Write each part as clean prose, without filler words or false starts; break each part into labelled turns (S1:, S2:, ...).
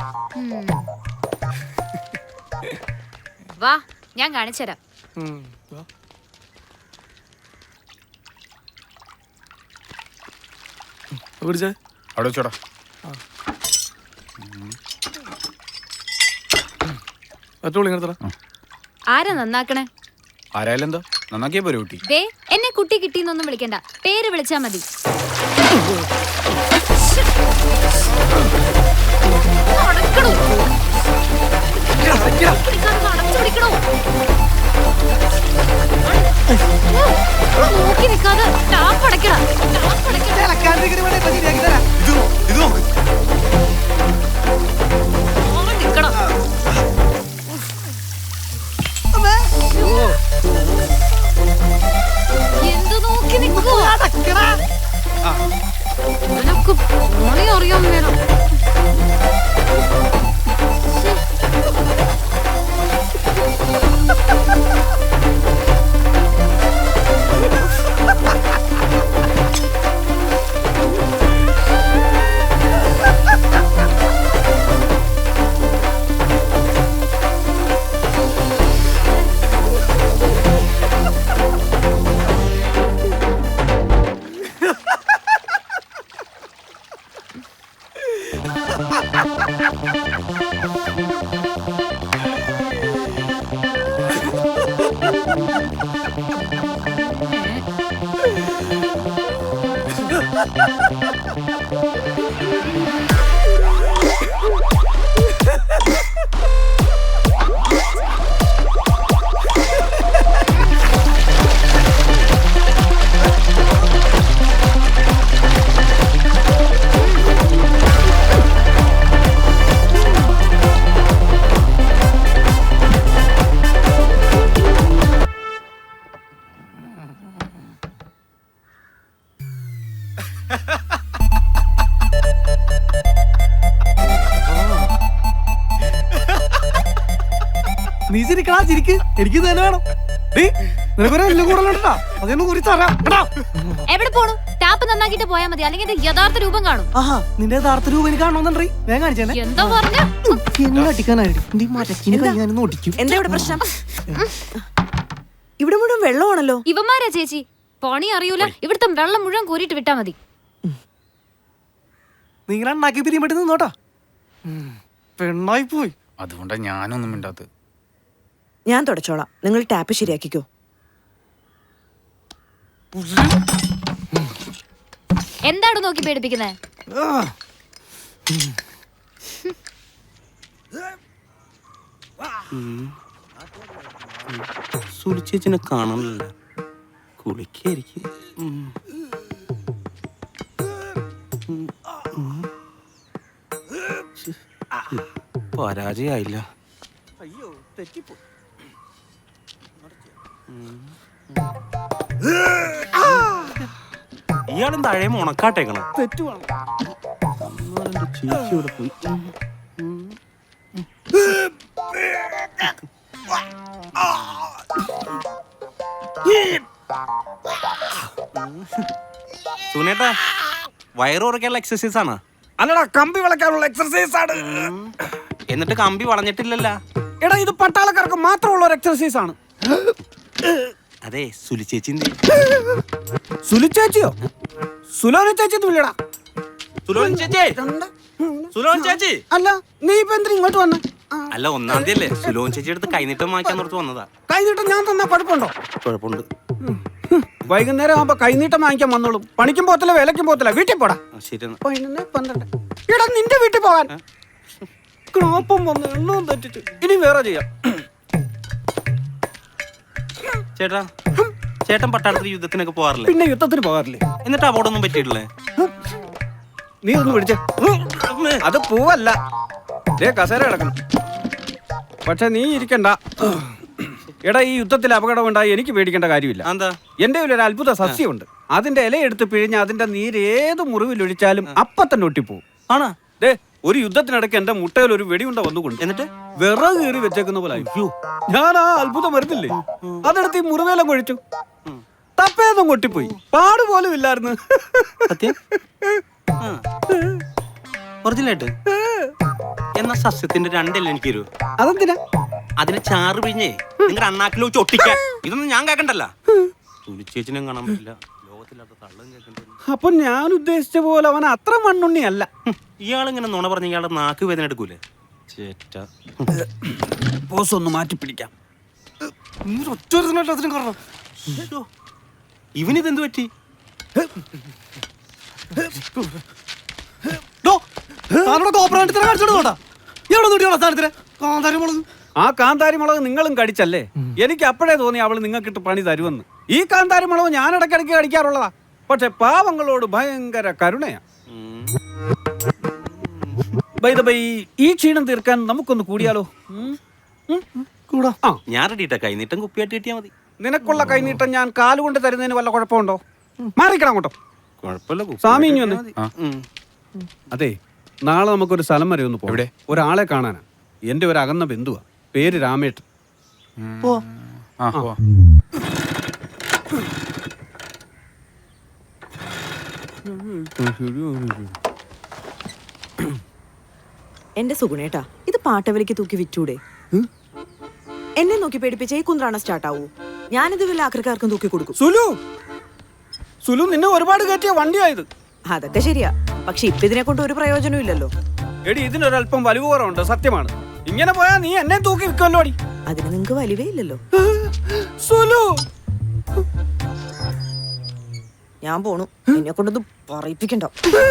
S1: വാ ഞാൻ കാണിച്ചുതരാം.
S2: അവിടെ വെച്ചോടാ.
S1: ആരാ നന്നാക്കണേ?
S2: ആരായാലും എന്താ, നന്നാക്കിയാ പോരെ കുട്ടി.
S1: ദേ എന്നെ കുട്ടി കിട്ടിന്നൊന്നും വിളിക്കണ്ട, പേര് വിളിച്ചാ മതി. നോക്കി നിൽക്കാതെ ടാപ്പ് അടയ്ക്കണം. എന്ത് നോക്കി നിൽക്കോ? നിനക്ക് പണി അറിയാൻ വേണം.
S3: നീ ചിരിക്കടാ, ചിരിക്ക്. എനിക്ക് തന്നെ വേണം. നിനക്കൊരെല്ലാം കൂടുതലുണ്ടാ, അതൊന്നും കുറിച്ച് അറിയാം.
S1: എവിടെ പോണു? ടാപ്പ് നന്നാക്കിട്ട് പോയാ മതി, അല്ലെങ്കിൽ യഥാർത്ഥ രൂപം കാണും.
S3: ആഹാ, നിന്റെ യഥാർത്ഥ രൂപം എനിക്ക് കാണണമെന്നുണ്ടേ. വേഗം കാണിച്ചേ.
S1: എന്താ പറഞ്ഞ
S4: എന്താ ഇവിടെ പ്രശ്നം? ഇവിടെ മുഴുവൻ വെള്ളമാണല്ലോ.
S1: ഇവന്മാരാ ചേച്ചി, പണി അറിയൂല. ഇവിടുത്തെ വെള്ളം മുഴുവൻ കോരിട്ട് വിട്ടാ മതി.
S3: നിങ്ങൾ ഉണ്ടാക്കി പിരിയുമ്പോ നിന്നോട്ടാ. പെണ്ണായി പോയി.
S2: അതുകൊണ്ടാ ഞാനൊന്നും മിണ്ടാത്തത്.
S4: ഞാൻ തുടച്ചോളാം, നിങ്ങൾ ടാപ്പ് ശരിയാക്കിക്കോ.
S1: എന്താണ് നോക്കി പേടിപ്പിക്കുന്നേ?
S5: സുലിച്ചേച്ചിനെ കാണാനില്ല, കുളിക്കായിരിക്കും. പരാജയായില്ല.
S3: അയ്യോ, തെറ്റിപ്പോയി.
S5: ഇയാളും താഴെ ഉണക്കാട്ടേക്കണം.
S3: തെറ്റുവാണ്.
S5: ചേച്ചി ഇവിടെ പോയി. സുനേട്ടാ, വയറ് കുറയ്ക്കാനുള്ള എക്സസൈസ് ആണ്.
S3: അല്ലടാ, കമ്പി വളയ്ക്കാനുള്ള എക്സർസൈസ് ആണ്.
S5: എന്നിട്ട് കമ്പി വളഞ്ഞിട്ടില്ലല്ലോ.
S3: എടാ, ഇത് പട്ടാളക്കാർക്ക് മാത്രമുള്ള ഒരു എക്സർസൈസ് ആണ്.
S5: അതെ, സുലിച്ചേച്ചി.
S3: സുലിച്ചേച്ചിയോ? സുലോന ചേച്ചി വിളിയടാ.
S5: സുലോൻ ചേച്ചി
S3: അല്ല, നീ ഇപ്പൊ എന്തിനാ ഇങ്ങോട്ട് വന്നേ?
S5: അല്ല, 1-ാം തീയതി അല്ലേ? സുലോൻ ചേച്ചി എടുത്ത് കൈനീട്ടം വാങ്ങിക്കാൻ ഓർത്ത് വന്നതാ.
S3: കൈനീട്ടം ഞാൻ തന്നാ കുഴപ്പമുണ്ടോ?
S5: കുഴപ്പമുണ്ട്.
S3: വൈകുന്നേരം ആവുമ്പോ കൈനീട്ടം വാങ്ങിക്കാൻ വന്നോളും. പണിക്കും പോത്തില്ല, വിലക്കും പോത്തില്ല. വീട്ടിൽ പോടാ.
S5: ശരി.
S3: 11, 12. എടാ, നിന്റെ വീട്ടിൽ പോകാൻ ക്രോപ്പം വന്ന് എണ്ണവും തെറ്റിച്ച്. ഇനി വേറെ ചെയ്യാം.
S5: ചേട്ടാ, ചേട്ടൻ പട്ടാളത്തിൽ യുദ്ധത്തിനൊക്കെ പോകാറില്ലേ?
S3: പിന്നെ യുദ്ധത്തിന് പോകാറില്ലേ?
S5: എന്നിട്ട് അപകടമൊന്നും പറ്റിയിട്ടില്ലേ?
S3: നീ ഒന്ന് പിടിച്ചേ. അത് പൂവല്ല, കസേര കിടക്കണം. പക്ഷെ നീ ഇരിക്കണ്ട. എടാ, ഈ യുദ്ധത്തിൽ അപകടം ഉണ്ടായി എനിക്ക് പേടിക്കേണ്ട കാര്യമില്ല.
S5: എന്താ?
S3: എന്റെ ഒരു അത്ഭുത സസ്യമുണ്ട്. അതിന്റെ ഇലയെടുത്ത് പിഴിഞ്ഞ് അതിന്റെ നീര് ഏത് മുറിവിലൊഴിച്ചാലും അപ്പൊ തന്നെ ഒട്ടിപ്പോവും.
S5: ആണോ?
S3: ദേ, ഒരു യുദ്ധത്തിനിടയ്ക്ക് എന്റെ മുട്ടയിൽ ഒരു വെടിയുണ്ട വന്നുകൊണ്ട്
S5: എന്നിട്ട്
S3: വിറക് കീറി വെച്ചേക്കുന്ന പോലെ. അയ്യോ, ഞാൻ ആ അത്ഭുതം വരുന്നില്ലേ, അതെടുത്ത് ഈ മുറിവേലം കൊഴിച്ചു. തപ്പേന്നും കൊട്ടിപ്പോയി. പാട് പോലും ഇല്ലായിരുന്നു.
S5: സത്യം? ഒറിജിനലായിട്ട് എന്നാ സസ്യത്തിന്റെ രണ്ടെല്ലാം എനിക്ക് തരൂ.
S3: അതെന്തിനാ?
S5: അതിനെ ചാറ് പിഴിഞ്ഞേ നിങ്ങളുടെ അണ്ണാക്കിലോ ഒട്ടിക്കാൻ. ഇതൊന്നും ഞാൻ കേക്കണ്ടല്ല. സുലിച്ചേച്ചിനും കാണാൻ പറ്റില്ല, ലോകത്തില്ലാത്ത തള്ളും കേൾക്കണ്ട.
S3: അപ്പൊ ഞാൻ ഉദ്ദേശിച്ച പോലെ അവൻ അത്ര മണ്ണുണ്ണിയല്ല.
S5: ഇയാളിങ്ങനെ നുണ പറഞ്ഞ ഇയാളുടെ നാക്ക് വേദന എടുക്കൂലേ? ചേറ്റ
S3: ബോസ് ഒന്ന് മാറ്റി പിടിക്കാം.
S5: ഇവനിതെന്ത് പറ്റി?
S3: ആ കാന്താരി മുളക് നിങ്ങളും കടിച്ചല്ലേ? എനിക്ക് അപ്പോഴേ തോന്നി അവള് നിങ്ങൾക്കിട്ട് പണി തരുമെന്ന്. ഈ കാന്താരി മുളക് ഞാൻ ഇടയ്ക്കിടയ്ക്ക് കടിക്കാറുള്ളതാ. പക്ഷെ പാവങ്ങളോട് ഭയങ്കര കരുണയാ. ബൈ ദ ബൈ, ഈ ക്ഷീണം തീർക്കാൻ നമുക്കൊന്ന് കൂടിയാലോ? കൂടാ.
S5: ഞാൻ റെഡിട്ടാ, കൈനീട്ടം കുപ്പിയായിട്ട് കിട്ടിയാ മതി.
S3: നിനക്കുള്ള കൈനീട്ടം ഞാൻ കാലുകൊണ്ട് തരുന്നതിന് വല്ല കുഴപ്പമുണ്ടോ? മാറിക്കണം അങ്ങോട്ടോ.
S5: കുഴപ്പമില്ല,
S3: സ്വാമി ഇനി വന്നേ. അതെ, നാളെ നമുക്കൊരു സ്ഥലം വരെ ഒന്ന് പോവിടെ. ഒരാളെ കാണാനാ. എന്റെ ഒരു അകന്ന ബന്ധുവാ, പേര് രാമേട്ടൻ.
S4: എന്റെ സുഗുണേട്ടാ, ഇത് പാട്ടവലിക്ക് തൂക്കി വിറ്റൂടെ? എന്നെ നോക്കി പേടിപ്പിച്ച ഈ കുന്ത്രാണ സ്റ്റാർട്ട് ആവൂ. ഞാനിത് വല്ല ആക്രിക്കാർക്കും തൂക്കി കൊടുക്കും.
S3: സുലു നിന്നെ ഒരുപാട് കയറ്റിയ വണ്ടിയായത്.
S4: അതൊക്കെ ശരിയാ, പക്ഷെ ഇപ്പൊ ഇതിനെ കൊണ്ട് ഒരു പ്രയോജനവും ഇല്ലല്ലോ.
S3: എടി, ഇതിനൊരല്പം വലിവ് കുറവുണ്ട്, സത്യമാണ്. ഇങ്ങനെ പോയാ നീ എന്നെ തൂക്കി വിൽക്കുമല്ലോ അടി.
S4: അതിന് നിങ്ങക്ക് വലിവേ ഇല്ലല്ലോ.
S3: സുലു,
S4: ഞാൻ പോണു. എന്നെ കൊണ്ടൊന്നും പറയിപ്പിക്കണ്ട.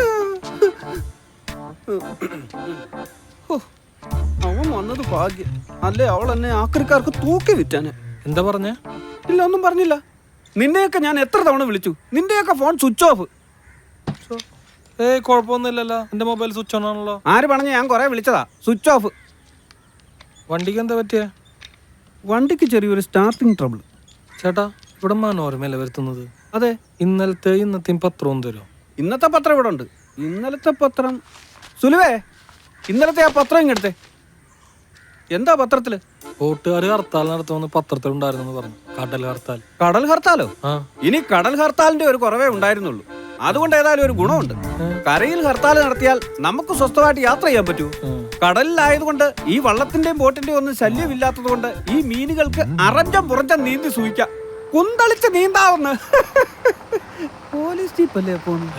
S3: അവൻ വന്നത് ഭാഗ്യം. അല്ലേ അവൾ എന്നെ ആക്രിക്കാർക്ക് തൂക്കി വിറ്റാനെ.
S6: എന്താ പറഞ്ഞ?
S3: ഇല്ല, ഒന്നും പറഞ്ഞില്ല. നിന്നെയൊക്കെ ഞാൻ എത്ര തവണ വിളിച്ചു, നിന്റെയൊക്കെ ഫോൺ സ്വിച്ച് ഓഫ്.
S6: ഏയ് കുഴപ്പമൊന്നുമില്ലല്ലോ, എന്റെ മൊബൈൽ സ്വിച്ച് ഓൺ ആണല്ലോ.
S3: ആര് പറഞ്ഞ? ഞാൻ കുറെ വിളിച്ചതാ, സ്വിച്ച് ഓഫ്.
S6: വണ്ടിക്ക് എന്താ പറ്റിയ?
S3: വണ്ടിക്ക് ചെറിയൊരു സ്റ്റാർട്ടിങ് ട്രബിൾ.
S6: ചേട്ടാ, ഇവിടെ മനോരമയല്ലേ വരുത്തുന്നത്?
S3: അതെ.
S6: ഇന്നത്തെയും പത്രവും തരുമോ?
S3: ഇന്നത്തെ പത്രം ഇവിടെ ഉണ്ട്. ഇന്നലത്തെ പത്രം സുലുവേ, ഇന്നലത്തെ ആ പത്രം ഇങ്ങെടുത്തേ. എന്താ പത്രത്തില്?
S6: വോട്ടുകാർ ഹർത്താൽ നടത്തുമെന്ന് പത്രത്തിലുണ്ടായിരുന്നു പറഞ്ഞു. കടൽ ഹർത്താൽ.
S3: കടൽ ഹർത്താലോ?
S6: ആ,
S3: ഇനി കടൽ ഹർത്താലിന്റെ ഒരു കുറവേ ഉണ്ടായിരുന്നുള്ളൂ. അതുകൊണ്ട് ഏതായാലും ഒരു ഗുണമുണ്ട്. കരയിൽ ഹർത്താൽ നടത്തിയാൽ നമുക്ക് സ്വസ്ഥമായിട്ട് യാത്ര ചെയ്യാൻ പറ്റൂ. കടലിലായതുകൊണ്ട് ഈ വള്ളത്തിന്റെയും ബോട്ടിന്റെയും ഒന്നും ശല്യമില്ലാത്തത് കൊണ്ട് ഈ മീനുകൾക്ക് അറഞ്ചം പുറഞ്ചം നീന്തി സൂയിക്കാം. കുന്തളിച്ച് നീന്താവുന്ന പോലീസ് ജീപ്പല്ലേ പോണു.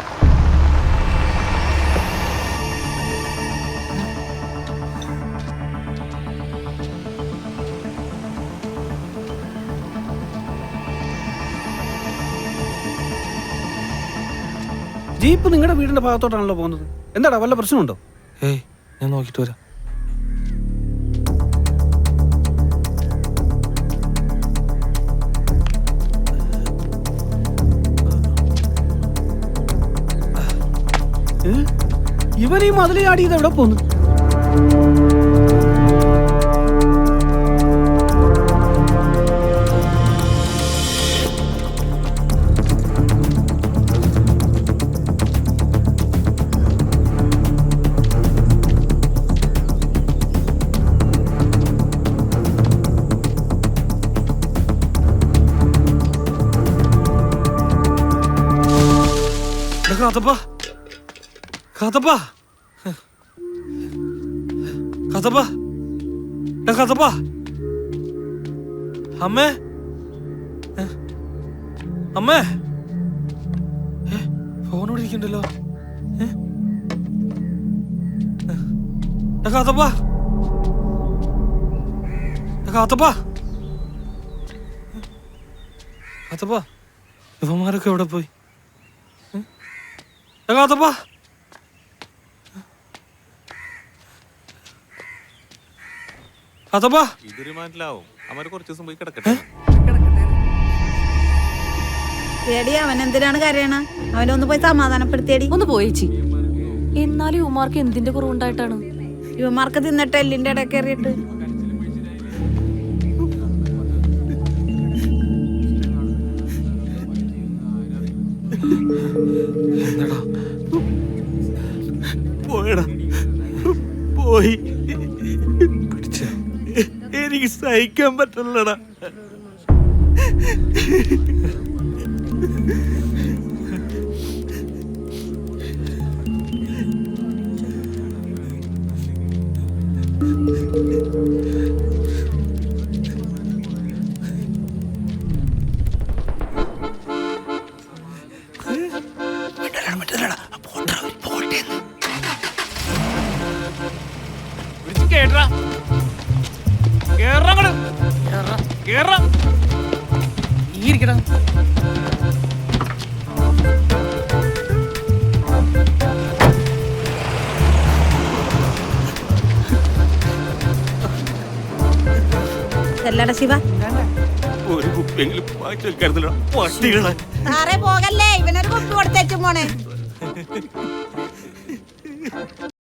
S3: ജീപ്പ് നിങ്ങളുടെ വീടിന്റെ ഭാഗത്തോട്ടാണല്ലോ പോകുന്നത്. എന്താടാ, വല്ല പ്രശ്നമുണ്ടോ?
S6: ഏയ്, ഞാൻ നോക്കിട്ട് വരാം.
S3: ഇവൻ ഈ മതിൽ ചാടി ഇത് എവിടെ പോന്നു?
S6: കാത്തപ്പാ, കാത്തപ്പാ, കാത്തപ്പാ, കാത്തപ്പാ, അമ്മേ, അമ്മേ, ഫോൺ ഇവിടെ ഇരിക്കണ്ടല്ലോ. കാത്തപ്പാ, കാത്തപ്പാ, കാത്തപ്പാ, ഇവന്മാരൊക്കെ എവിടെ പോയി? കാത്തപ്പാ, കാത്തപ്പാ,
S5: ഇതൊരു മനസ്സിലാവും. അവര് കുറച്ച് ദിവസം പോയി കിടക്കട്ടെ.
S7: പേടി, അവൻ എന്തിനാണ് കരയണ? അവനൊന്ന് പോയി സമാധാനപ്പെടുത്തിയടി.
S1: ഒന്ന് പോയേച്ചി. എന്നാലും ഉമാർക്ക് എന്തിന്റെ കുറവുണ്ടായിട്ടാണ്?
S7: ഇവന്മാർക്ക് തിന്നിട്ട് എല്ലിന്റെ ഇടയിൽ കയറിയിട്ട്.
S5: പോയടാ, പോയി. എനിക്ക് സഹിക്കാൻ പറ്റില്ലടാ.
S7: ചെല്ലട ശിവ
S5: ഒരു കുപ്പിയെങ്കിലും വാങ്ങിച്ചു വെക്കരുതല്ലോ പട്ടികളെ.
S7: സാറേ പോകല്ലേ, ഇവനൊരു കുപ്പി കൊടുത്തേച്ചും പോണേ.